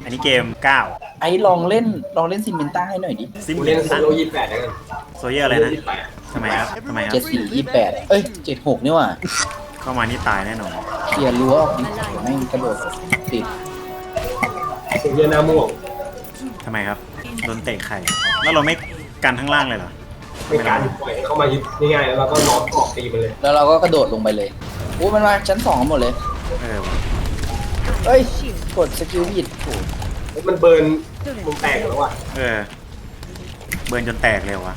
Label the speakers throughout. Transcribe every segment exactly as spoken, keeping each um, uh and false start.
Speaker 1: อันนี้เกมเก้า
Speaker 2: ไอ้ลองเล่นลองเล่นซิมเมนต้าให้หน่อยดิ
Speaker 1: ซิม
Speaker 3: กูเล่นโซโล่ยี่สิบแปดแล้วกัน
Speaker 1: โซเยอร์อะไรนะทำไมครับทำไมครั
Speaker 2: เจ็ด
Speaker 1: บ
Speaker 2: สี่ยี่แปดเอ้ยเจ็ดหกนี่ว่ะ
Speaker 1: เข้ามานี่ตายแน่นอน
Speaker 2: เคลียร์รั้วออกดิแม่งกระโดดติด
Speaker 3: โซเยอร์หน้าม่วง
Speaker 1: ทำไมครับโดนเตะไข่แล้วเราไม่กันข้างล่างเลยเหรอ
Speaker 3: เป็นการปล่อยให้เข้ามายึดง่ายๆแล้วเราก็ล้อมเกาะตีมันเลย
Speaker 2: แล้วเราก็กระโดดลงไปเลยโอ้มันมาชั้นสองหมดเลย
Speaker 1: เออว่ะ
Speaker 2: เอ้ยกดสกิลผิดโอ้
Speaker 3: แล้วมันเบิร์นมุมแตกแล้วอ่ะ
Speaker 1: เออเบิร์นจนแตกเลยวะ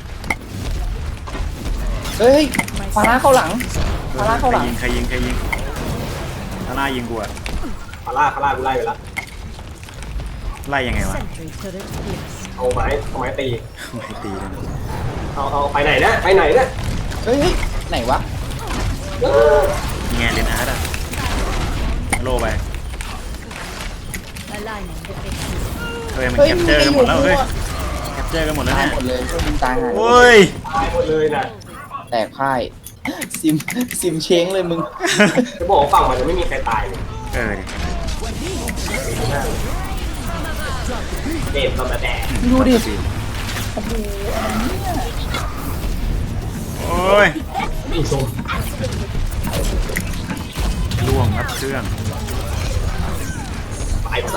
Speaker 2: เฮ้ยฟาร่าเข้าหลังฟาร่าเข้าหลัง
Speaker 1: ใครยิงใครยิงใครยิงฟาร่ายิงกูอะ
Speaker 3: ฟาร่าฟาร่ากูไล่ไปแล้ว
Speaker 1: ไล่ยังไงวะ
Speaker 3: เอาไม้เอาไม้ตี
Speaker 1: ไม่ตีเลยนะ
Speaker 3: เอาเอาไปไหนนะไปไหนนะ
Speaker 2: เฮ้ยเฮ้ยไหนวะ
Speaker 1: ยังไงเลนอาร์ตอะโลไปเฮ้ยมันแคปเจอร์กันหมดแล้วเฮ้ยแคปเจอร์กันหมดแล้ว
Speaker 2: ตาย
Speaker 1: เนี่ย
Speaker 2: หมดเลยช่วยมึงตายหาย
Speaker 1: โอ้ย
Speaker 3: ตายหมดเลยนะ
Speaker 2: แตกพ่ายซิมซิมเช้งเลยมึง
Speaker 3: จะบอกว่าฝั่งมันจะไม่มีใครตายเลย
Speaker 1: เออดิ
Speaker 3: เด็ดตอนมาแดด
Speaker 2: ดูดิ โอ้โห
Speaker 1: โอ้ย
Speaker 3: นี่ชม
Speaker 1: ล่วงครับเครื่อง
Speaker 3: ตายหมดละ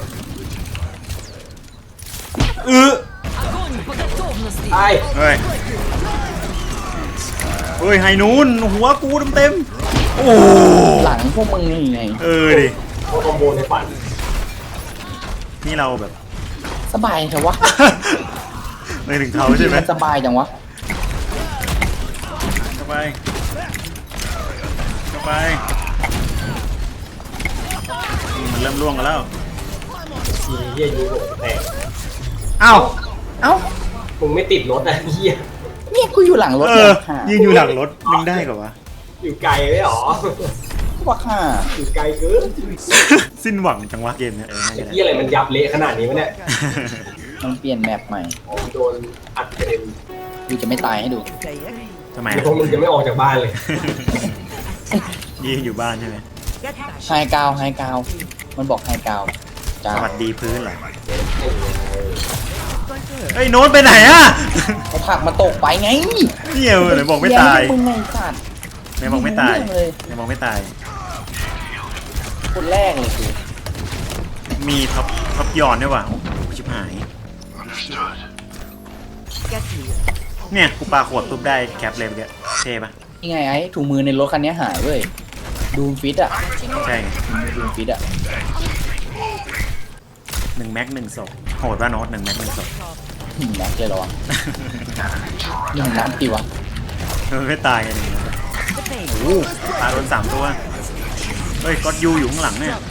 Speaker 1: เออ
Speaker 3: ตาย
Speaker 1: เฮ้ยเฮ้ยไฮนูนหัวกูเต็มๆโอ้
Speaker 2: หลังพวกมึงนี่ไง
Speaker 1: เออดิ
Speaker 3: โคอมโบในฝัน
Speaker 1: นี่เราแบบ
Speaker 2: สบายเถอะวะ
Speaker 1: ไม่ถึงเขาใช่ไหม
Speaker 2: นสบายจังวะ
Speaker 1: เข้าไปเข้าไปมันเริ่มล่วงกันแล้ว
Speaker 3: ทีเยี่ยยิงโหดแตก
Speaker 1: อ้าว
Speaker 2: เอ้า
Speaker 3: มึงไม่ติดรถอะเยี่ย
Speaker 2: เนี่ยกูอยู่หลังรถ
Speaker 1: เอ
Speaker 2: เนี่
Speaker 1: อย ยืนอยู่หลังรถมึงได้กว่า
Speaker 3: อยู่ไกลเลยเหรอ
Speaker 2: ว่าค่ะ
Speaker 3: อยู่ไกลเกิน
Speaker 1: สิ้นหวังจังวะเกมเนี่ยเออน่า
Speaker 3: ไอ้
Speaker 1: จะได้
Speaker 3: เยี่ยอะไรมันยับเละขนาดนี้วะเนี่ย
Speaker 2: มันเปลี่ยนแมปใหม่
Speaker 3: โดนอัดกระเด็น
Speaker 2: กูจะไม่ตายให้ดู
Speaker 1: ทำไม
Speaker 3: เดี๋ยวพวกมึงจะไม่ออกจากบ้านเลย
Speaker 1: ยืนอยู่บ้านใช่ไหม
Speaker 2: ไฮกาวไฮกาว มันบอกไฮกาวจ้า
Speaker 1: สวัสดีพื้นเหรอเฮ้ยโน้ตไปไหนอะ
Speaker 2: เขาผลักมาตกไปไง
Speaker 1: เหี้ยไหนบอกไม่ตาย
Speaker 2: เหี้มึงไงสัตว์
Speaker 1: ไหนบอกไม่ตาย
Speaker 2: เรื่องเลย
Speaker 1: ไหนบอกไม่ตาย
Speaker 2: คนแรกเลยคือ
Speaker 1: มีท็อปท็อปยอนด้วยว่ะโอ้โหชิบหาย เนี่ยกูปาขวดปุ๊บได้แคปเลยเมื่อกี้เท่ปะ
Speaker 2: ยังไงไอ้ถุงมือในรถคันนี้หายเว้ย ดูมฟิตอ่ะ
Speaker 1: ใช่ไง
Speaker 2: ดูมฟิตอ่ะ
Speaker 1: หนึ่งแม็กหนึ่งศพโหดว่าโน้ตหนึ่งแม็กหนึ่งศพ
Speaker 2: หนึ่งนัดเลยเหรอวะหนึ่งนัดดีวะ
Speaker 1: มันไม่ตายกันเลยโอ้โหตาโดนสามตัวเฮ้ยก็ยูอยู่ข้างหลังเนี่ย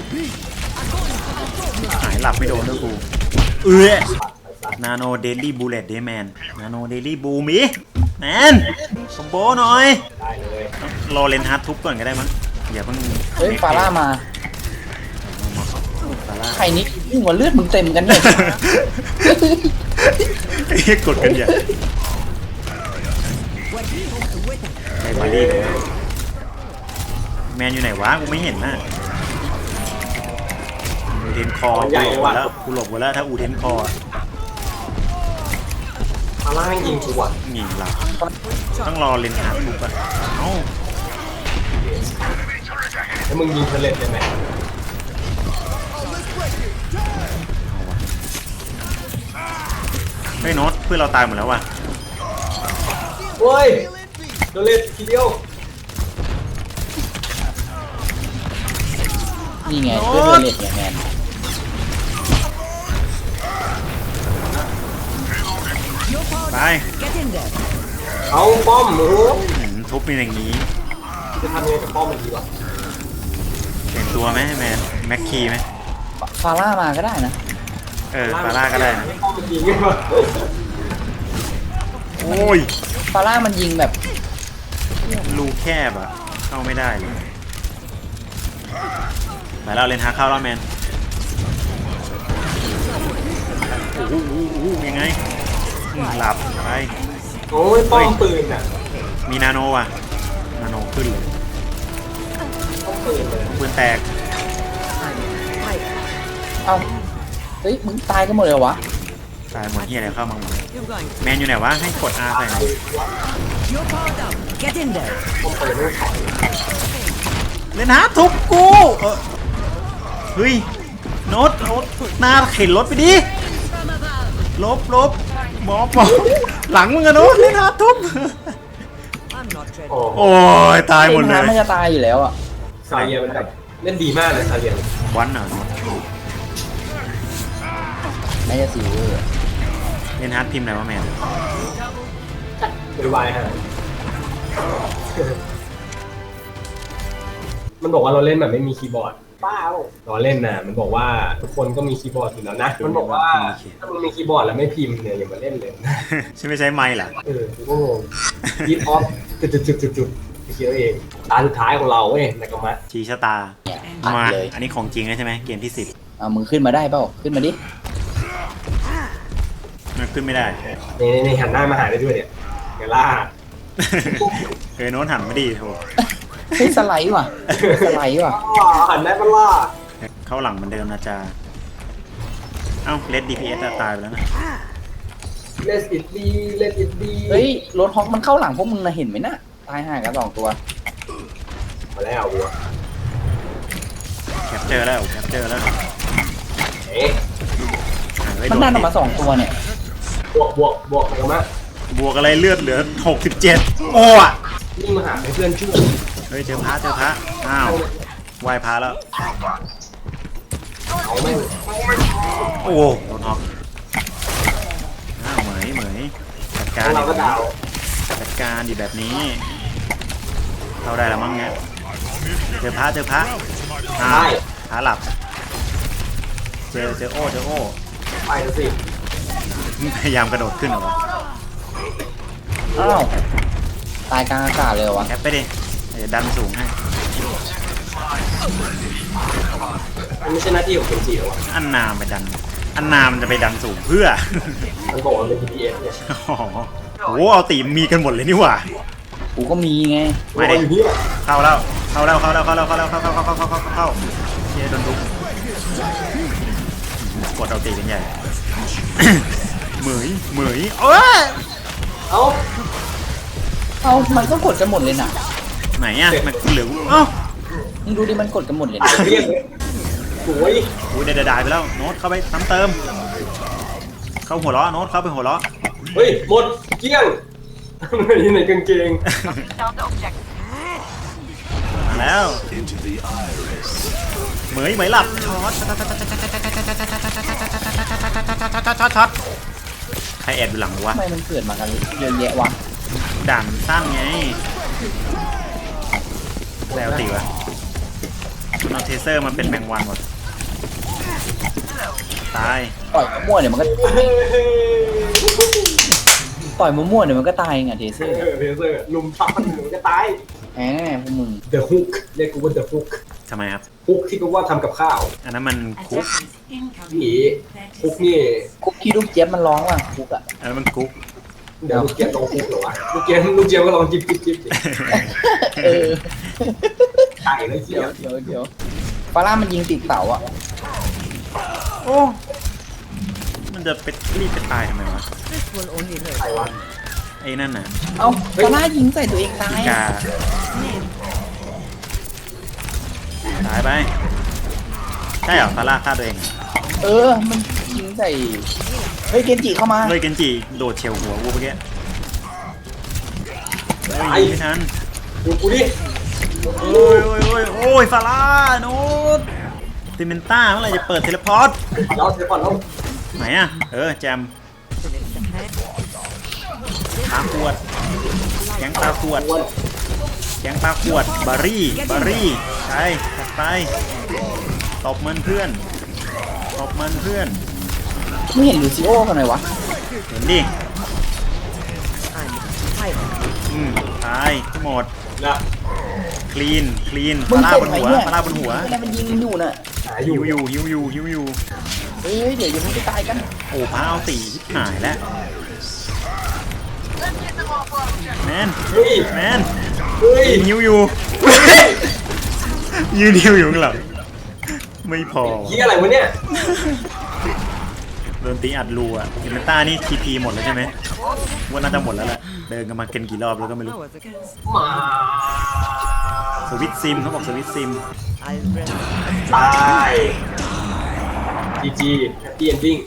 Speaker 1: หายหลับไม่โดนด้วยกูเอ้ยนาโนเดลี่บูเลตเดย์แมนนาโนเดลี่บูมีแมนคอมโบหน่อย
Speaker 3: ได้เลย
Speaker 1: รอเลนฮาร์ดทุบก่อนก็ได้มั้งอย่าเพิ่ง
Speaker 2: เฮ้ยฟาร่ามา
Speaker 1: ฟาร่า
Speaker 2: ใครนี่ยิ่งกว่าเลือดมึงเต็มกันเลย
Speaker 1: ไอ้เหี้ยกดกันอย่าไอ้บารี่กันนะแมนอยู่ไหนวะกูไม่เห็นน่ะอูเทนคอกูหลบหมดแล้วกูหลบหมดแล้วถ้าอูเทนคอ
Speaker 3: พาร่ายิงกูอ่ะ
Speaker 1: ยิงเราต้องรอเลนฮาร์ดทุบอ่ะเอ้า
Speaker 3: แล้วมึงยิงเทเลตได้ไหม
Speaker 1: เฮ้ยโน้ตเพื่อนเราตายหมดแล้วว่ะ
Speaker 3: โอ้ยเทเลตทีเดียว
Speaker 2: นี่ไงเลือดเลือดเนี่ยแมน
Speaker 1: ไป
Speaker 3: เอาป้อมโอ้โห
Speaker 1: หืมทุบเป็นอย่างนี้
Speaker 3: จะทำยังไงกับป้อมมันดีวะ
Speaker 1: เปลี่ยนตัวไหมแมนแม็กคีไหม
Speaker 2: ฟาร่ามาก็ได้นะ
Speaker 1: เออฟาร่าก็ได้นะ
Speaker 3: ให้ป้อมมันยิงไงวะ
Speaker 1: โอ้ย
Speaker 2: ฟาร่ามันยิงแบบ
Speaker 1: รูแคบอ่ะเข้าไม่ได้เลยไปแล้วเลนฮาร์ดเข้าแล้วแมนโอ้โหโอ้โหยังไงอืมหลับไป
Speaker 3: โอ้ยป้อมปืนอ่ะ
Speaker 1: มีนาโนว่ะนาโนขึ้นเลย
Speaker 3: ป้อมปืนเลย
Speaker 1: ปืนแตก
Speaker 2: เอ้าเฮ้ยมึงตายกันหมดเลยเหรอวะ
Speaker 1: ตายหมดเฮียอะไรเข้ามาหมด
Speaker 4: You're going.
Speaker 1: แมนอยู่ไหนวะให้กด R ใส่หน่อย
Speaker 4: You're powered up. Get in there.
Speaker 1: เล่นฮาร์ดทุบกูเออเฮ้ยโน้ตโน้ตหน้าเข็นรถไปดิลบลบหมอปอหลังมึงอะโน้ตเล่นฮาร์ดทุบ
Speaker 4: I'm not ready.
Speaker 3: โอ้
Speaker 1: โอ้ยตายหมดเล
Speaker 2: น้ำมัน
Speaker 1: ย
Speaker 2: จะตายอยู่แล้วอ่ะ
Speaker 3: ซาเลียมันแบบเล่นดีมากเลยซาเลีย
Speaker 1: วันเหรอโน้ต
Speaker 2: น่าจะสิวเวอร์
Speaker 1: เล่นฮาร์ดพิมพ์อะไรวะแมน
Speaker 3: ไวๆฮะมันบอกว่าเราเล่นแบบไม่มีคีย์บอร์ดเปล่าเราเล่นนะมันบอกว่าทุกคนก็มีคีย์บอร์ดอยู่แล้วนะมันบอกว่าถ้ามึงมีคีย์บอร์ดแล้วไม่พิมพ์เนี่ยอย่ามาเล่นเลย
Speaker 1: ใช่ไม่ใช่ไมค์เหรอ
Speaker 3: เออกูก็งงยิดออฟจุดจุดจุดจุดจุดไปคิดเอาเองตาสุดท้ายของเราเว้ยนากามะ
Speaker 1: ชีชะตา
Speaker 2: เนี่ยอัด
Speaker 1: มา
Speaker 2: เลย
Speaker 1: อันนี้ของจริงเลยใช่ไหมเกมที่สิบ
Speaker 2: เอามึงขึ้นมาได้เปล่าขึ้นมาดิ
Speaker 1: มันขึ้นไม่ได้
Speaker 3: นี่นี่หันหน้ามาหาได้ด้วยเนี่ยเกล่า
Speaker 1: เออโน้ตหันไม่ดีโถ
Speaker 2: เฮ้ยสไลด์ว่ะสไลด์ว่ะ
Speaker 3: หันได้ปะล่ะ
Speaker 1: เข้าหลังเหมือนเดิมนะจ๊ะเอ้าเลดดีพีเอสตายไปแล้วนะ
Speaker 3: เลสอิดดีเลสอิดดี
Speaker 2: เฮ้ยรถฮอกมันเข้าหลังพวกมึงนะเห็นไหมน่ะตายห่ากันสองตัว
Speaker 3: มาแล้ววัว
Speaker 1: แคปเจอร์แล้วแคปเจอร์แล้ว
Speaker 3: เอ๊ะ
Speaker 1: อ่ะเฮ้ย
Speaker 2: มันดันออก
Speaker 1: โด
Speaker 2: มาสองตัวเนี่ย
Speaker 3: บวกบวกบวกนากามะ
Speaker 1: บวกอะไรเลือดเหลือหกสิบเจ็ดโอ้อะ
Speaker 3: นี่มาหาให้เพื่อนช่วย
Speaker 1: เฮ้ยเจอพระเจอพระอ้าวไหวพระแล้ว
Speaker 3: เอาไม่
Speaker 1: โอ้โดนฮอกอ้าวเหมยเหมยจัดการ
Speaker 3: เราก็ดาว
Speaker 1: จัดการดีแบบนี้เข้าได้แล้วมั้งเนี่ยเจอพระเจอพระอ้าวพระหลับเจอเจอโอ้เจอโอ้
Speaker 3: ไปแล้วสิ
Speaker 1: พยายามกระโดดขึ้นเหรอวะ
Speaker 2: อ้าวตายกลางอากาศเลยเหรอวะ
Speaker 1: แคปไปดิเดี๋ยวดันสูงให้
Speaker 3: มันไม่ใช่หน้าที่ของคนจีนหรอวะ
Speaker 1: อันนามไปดัน อันนามจะไปดันสูงเพื่อ
Speaker 3: มันบอกว่าเป็น บี ที เอส เนี่ย
Speaker 1: อ๋อโอ้เอาตีมีกันหมดเลยนี่หว่า
Speaker 2: กูก็มีไง
Speaker 1: ไม่ได้
Speaker 3: อยู่นี่แหละ
Speaker 1: เข้าแล้ว เข้าแล้ว เข้าแล้ว เข้าแล้ว เข้าแล้ว เข้าเข้าเข้าเข้าเข้าเข้าเข้าเย้โดนลุกกดเอาตีกันใหญ่ เหมยเหมยเอ้ย
Speaker 3: เอ้า
Speaker 2: เอามันก็กดกันหมดเลยน่ะ
Speaker 1: ไหนอ่ะมันเหลือเอ้า
Speaker 2: มึงดูดิมันกดกันหมดเลยนะ
Speaker 3: เรียกเลยสวย
Speaker 1: อุ้ยได้ได้ไปแล้วโน้ตเข้าไปซ้ำเติม เข้าหัวเราะโน้ตเข้าไปหัวเราะ
Speaker 3: เฮ้ยหมดเกลี้ยงอยู่ในกางเกง
Speaker 1: มาแล้วเหมยเหมยหลับช็อตช็อตช็อตช็อตช็อตช็อตใครแอบอยู่หลังวะ
Speaker 2: ทำไมมันเกิดมากันเยอะแยะวะ
Speaker 1: ด่านสั้นไงแล้วตีวะมันเอาเทเซอร์มันเป็นแมงวันหมดตาย
Speaker 2: ต่อยมั่วๆเดี๋ยวมันก็ต่อยมั่วๆเดี๋ยวมันก็ตายไงเทเซอร์
Speaker 3: เออเพเซอร์ลุมทับมันหนูจะตาย
Speaker 2: แหมพวกมึง
Speaker 3: The Hook เรียกกูว่า The Hook
Speaker 1: ทำไมครับ
Speaker 3: ฮุกที่กูว่าทำกับข้าว
Speaker 1: อันนั้นมันคุก
Speaker 3: นี่ฮุกนี่
Speaker 2: คุกกี้ลูกเจี๊ยบมันร้องว่ะคุกอ่ะ
Speaker 1: อันนั้นมันคุก
Speaker 3: เดี๋ยวลูกเจี๊ยบลองฮุกเหรอวะลูกเจี๊ยบลูกเจี๊ยบก็ลองจิ๊บจิ๊บจิ๊บดิ
Speaker 2: เออ
Speaker 3: ไก่แล้วเจี๊
Speaker 2: เดี๋
Speaker 3: ย
Speaker 2: ยว
Speaker 3: บ
Speaker 2: เดี๋ยวเดี๋ยวฟาร่ามันยิงติดเสาอ่ะ
Speaker 1: โอ้มันจะไปรีบไปตายทำไมวะ
Speaker 4: This will only hurt.
Speaker 3: ไก่วะ
Speaker 1: ไอ้นั่นน่ะ
Speaker 2: เอ้าฟาร่ายิงใส่ตัวเองตาย
Speaker 1: กาตายไปใช่เหรอฟาร่าฆ่าตัวเอง
Speaker 2: เออมันยิงใส่เฮ้ยเกนจิเข้ามา
Speaker 1: เลยเกันจิโดดเฉียวหัวกูเมื่อกี้เฮ้ย
Speaker 3: ไอ้
Speaker 1: ยิงไม่ทัน
Speaker 3: ดูกูดิ
Speaker 1: โอ้ยโอ้ยโอ้ยโอ้ยฟาร่าโน้ตติเมนต้าเมื่อไหร่จะเปิดเทเลพอร์ต
Speaker 3: เราเทปอนเรา
Speaker 1: ไหนอ่ะ เออ แจมปลาขวดแกงปลาขวดแกงปลาขวด บารี่ บารี่ใช่ตัดไปตบมันเพื่อนตบมันเพื่อน
Speaker 2: ไม่เห็นลูซิโอกันหน่อยวะ
Speaker 1: เห็นดิ อืมตายหมด
Speaker 3: นะ
Speaker 1: คลีน คลีน
Speaker 2: มึ
Speaker 1: ฟาง ร่า
Speaker 2: เจ็บบ
Speaker 1: น
Speaker 2: ไหม
Speaker 1: หัว
Speaker 2: เนี่ย
Speaker 1: ฟาร่าบนหัว
Speaker 2: เวลามันยิงอยู่น่ะ
Speaker 3: หาอ
Speaker 1: หิ
Speaker 3: ยู่
Speaker 1: วอยู่หิวอยู่หิวอยู่
Speaker 2: เฮ้ยเดี๋ยวเดี๋ยวมึงจะตายกัน
Speaker 1: โอ้พระเอาตีชิบหายแล้วแมน
Speaker 3: เฮ้ย
Speaker 1: แมน
Speaker 3: เฮ้ย
Speaker 1: ยืนหิวอยู่ ยืนหิวอยู่ข้างหลังไม่พอ
Speaker 3: ยี่อะไรวะเนี่ย
Speaker 1: โดนตีอัดรูอะเอเมต้านี่ทีพีหมดแล้วใช่ไหมว่าน่าจะหมดแล้วแหละเดินกันมาเกินกี่รอบแล้วก็ไม่รู้
Speaker 4: Hours ago.
Speaker 3: มา
Speaker 1: สวิตซิมเขาบอกสวิตซิม
Speaker 4: I'll rest.
Speaker 3: ตายจีจีแฮปปี้เอนดิ้ง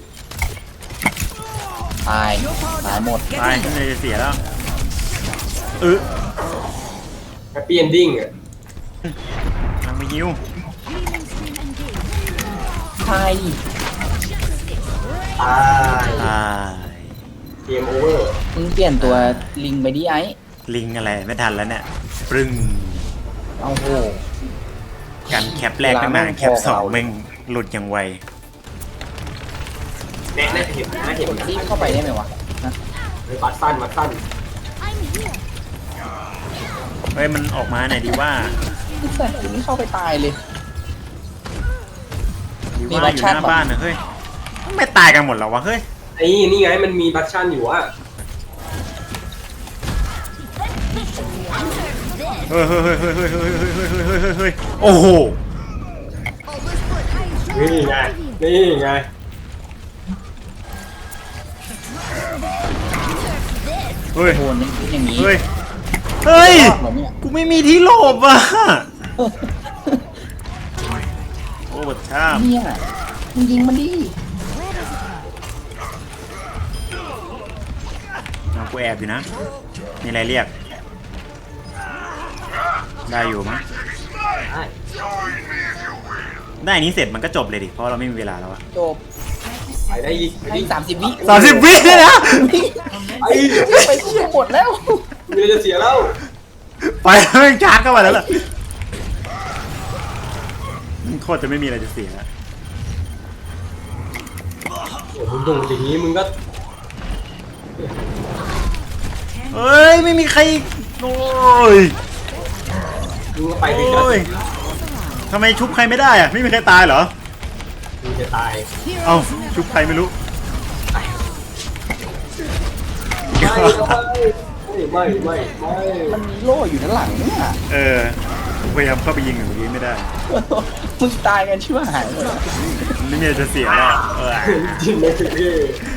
Speaker 2: ตายตายหมด
Speaker 1: ตายไม่เลยจะเสียแล้วเออ
Speaker 3: แฮปปี้เอนดิ้งอ่ะ
Speaker 1: ทางไปยิว
Speaker 2: ตาย
Speaker 3: ตาย
Speaker 1: ตาย
Speaker 3: เกมโอเวอร์
Speaker 2: มึงเปลี่ยนตัวลิงไปดิไอ้
Speaker 1: ลิงอะไรไม่ทันแล้วเนี่ยปรึ้ง
Speaker 2: เอาโห
Speaker 1: กันแคปแรกตั้งนานแคปสองแม่งหลุดอย่างไว
Speaker 3: แน่แน่เห็นนะเห็น
Speaker 2: กด
Speaker 3: นะ
Speaker 2: ที่เข้าไปได้ไหมวะนะ
Speaker 3: เฮ้ยบัตสั้นบัตสั้น
Speaker 1: เฮ้ยมันออกมาไหนอยดีว่า
Speaker 2: แต่กูไม่เข้าไปตายเลย
Speaker 1: ดี
Speaker 2: มี
Speaker 1: ว่า
Speaker 2: บัต
Speaker 1: อ
Speaker 2: ร
Speaker 1: ยู่
Speaker 2: ชา
Speaker 1: ห
Speaker 2: ติ
Speaker 1: น้าบ้านนะเฮ้ยไม่ตายกันหมดเหรอวะเฮ้ย
Speaker 3: ไอ้นี่ไงมันมีบัตชั่นอยู่อ่ะ
Speaker 1: เฮ้ยเฮ้ยเฮ้ยเฮ้ยเฮ้ยเฮ้ยเฮ้ยเฮ้ยเฮ้ยเฮ้ยเฮ้ยโอ้โห
Speaker 3: นี่ไงนี่ไง
Speaker 1: เฮ้ย
Speaker 2: โหนนี่อย่างนี้
Speaker 1: เฮ้ยเฮ้ย
Speaker 2: รอดเหรอเนี่ย
Speaker 1: กูไม่มีที่หลบอ่ะโอ้บัดช่าม
Speaker 2: เนี่ยมึงยิงมันดิ
Speaker 1: เอากูแอบอยู่นะมีอะไรเรียกได้อยู่มั้ง
Speaker 3: ได้
Speaker 1: ได้อันนี้เสร็จมันก็จบเลยดิเพราะเราไม่มีเวลาแล้วอะ
Speaker 2: จบ
Speaker 3: ไปได้อีกไป
Speaker 2: ให้
Speaker 3: ดิ
Speaker 2: สามสิบวิ
Speaker 1: สามสิบวิเลยนะ
Speaker 3: ไอ้
Speaker 2: ไปเสียหมดแล้ว
Speaker 3: มีอะไรจะเสียแล้ว
Speaker 1: ไปแล้วแม่งชาร์จเข้ามาแล้วล่ะโคตรจะไม่มีอะไรจะเสียแล้ว
Speaker 3: โอ้มึงโดนอย่างนี้มึงก็
Speaker 1: เฮ้ยไม่มีใครโอ้ย
Speaker 3: มึงก็ไปถึงจะ
Speaker 1: โอ้ยทำไมชุบใครไม่ได้อะไม่มีใครตายเหรอ
Speaker 3: มึงจะตาย
Speaker 1: เอ้าชุบใครไม่รู้
Speaker 3: ไม่ไม่ไม่ไม่ไม่
Speaker 2: มันมีโล่อยู่ด้านหลังเนี่ย
Speaker 1: เออผมพยายามเข้าไปยิงอยู่เมื่อกี้ไม่ได้
Speaker 2: มึงตายกันชิบหายหมดแล้ว
Speaker 1: ไม่มีอะไรจะเสียแล้วเออ
Speaker 3: จริงเลยพี่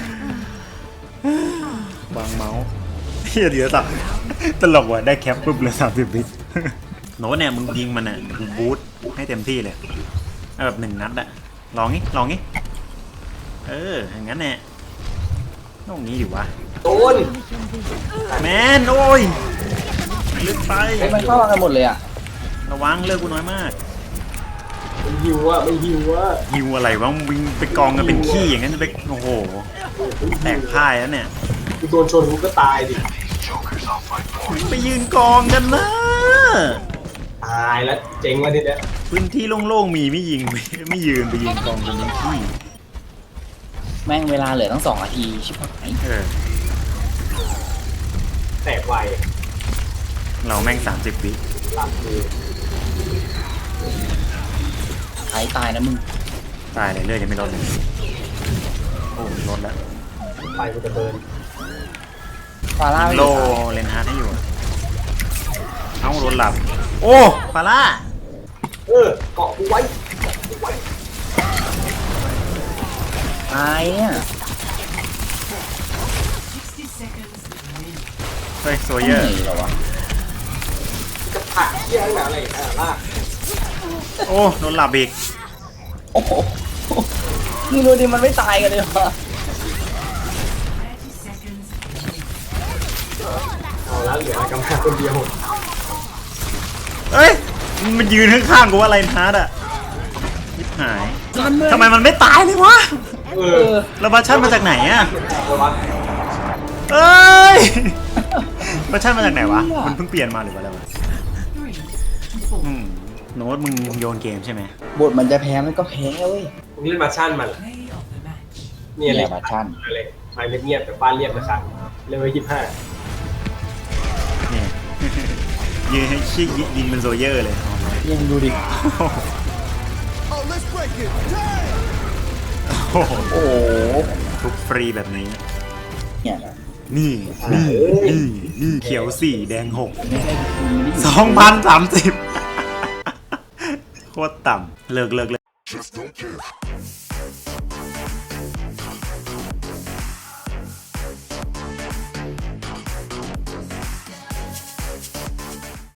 Speaker 1: วางเมาส์เฮียเดี๋ยวสับตลกว่ะได้แคปปุ๊บเลยสามสิบวิโน้ตเนี่ยมึงยิงมันอ่ะมึงบูทให้เต็มที่เลยเอาแบบหนึ่งนัดอะลองงี้ลองงี้เอออย่างนั้นแน่ต้องงี้อยู่วะ
Speaker 3: โดน
Speaker 1: แมนโอ้ยลึกไป
Speaker 2: ไอ้ยมันเข้ามากันหมดเลยอ่ะ
Speaker 1: ระวังเลิกกูน้อยมาก
Speaker 3: มันหิวอ่ะมันหิวอ่ะ
Speaker 1: ฮิวอะไรวะมึงวิ่งไปกองกันเป็นขี้อย่างนั้นจะไปโอ้โหแตกพ่ายแล้วเนี่ย
Speaker 3: กูโดนชนกูก็ตายดิ
Speaker 1: ไปยืนกองกันนะ
Speaker 3: ตายแล้วเจ๋งว่ะทีเนี้ย
Speaker 1: พื้นที่โล่งๆมีไม่ยิง ไม่ไม่ยืนไปยืนกองกันเป็นขี้
Speaker 2: แม่งเวลาเหลือตั้งสองนาทีชิบหาย
Speaker 1: เออ
Speaker 3: แตกไว
Speaker 1: เราแม่งสามสิบวิ
Speaker 3: หลับคือ
Speaker 2: หายตายนะมึง
Speaker 1: ตายเลยเลือดยังไม่ลดเลยโอ้ลดแล้ว
Speaker 3: ไปกูจะเดิน
Speaker 2: ฟาร่าไม่
Speaker 1: โล
Speaker 2: ได้ตาย
Speaker 1: เลนฮาร์ดให้อยู่อะเอ้าลดหลับ โอ้ฟาร่า
Speaker 3: เออเกาะกูไว้เกาะกูไว้
Speaker 2: ตายเนี่ย
Speaker 1: เฮ้ยโซ
Speaker 2: ต้อง
Speaker 1: เยอร์
Speaker 2: หนีเหรอวะ
Speaker 3: กระผักเที่ยงหนาอะไรอ่ะลาก
Speaker 1: โอ้โดนหลับอีก
Speaker 2: โอ้โหมึงดูดิมันไม่ตายกันเลยวะ
Speaker 3: เอาแล้วเหลือกำลังคนเดียว
Speaker 1: เอ้ยมันยืนข้างๆกูว่าอะไรฮาร์ดอะยิบหายทำไมมันไม่ตายเลยวะ
Speaker 3: เอ
Speaker 2: เอ
Speaker 3: อ
Speaker 2: อ
Speaker 1: แล้วบัชชั่นมาจากไหนอะ
Speaker 3: เอาวะ
Speaker 1: เอ้ยบัชชั่นมาจากไหนวะมันเพิ่งเปลี่ยนมาหรือว่าอะไรวะอืมโน้ตมึงโยนเกมใช่ไหม
Speaker 2: บทมันจะแพ้มันก็แพ้เว้ย
Speaker 3: มึงเล่นมาชั่นมันเหรอเนี่ย
Speaker 2: เนี่
Speaker 3: เลย ย
Speaker 2: บัตชั่น
Speaker 3: เลยไปเงียบๆแต่บ้านเรียบนะครับเล่นไว้ยี่สิบห้า
Speaker 1: เนี่ย ยืนให้ชี้ยิงเป็นโซเยอร์เลย
Speaker 2: ยังดูดิ
Speaker 1: โอ้โห
Speaker 2: โอ้โห
Speaker 1: ทุกฟรีแบบนี้
Speaker 2: เนี่ย
Speaker 1: นี่นี่นี่นี่เขียวสี่แดงหก
Speaker 2: ไม่ได้ไม่ได้
Speaker 1: สองพันสามสิบโคตรต่ำเลิกเลิกเลิก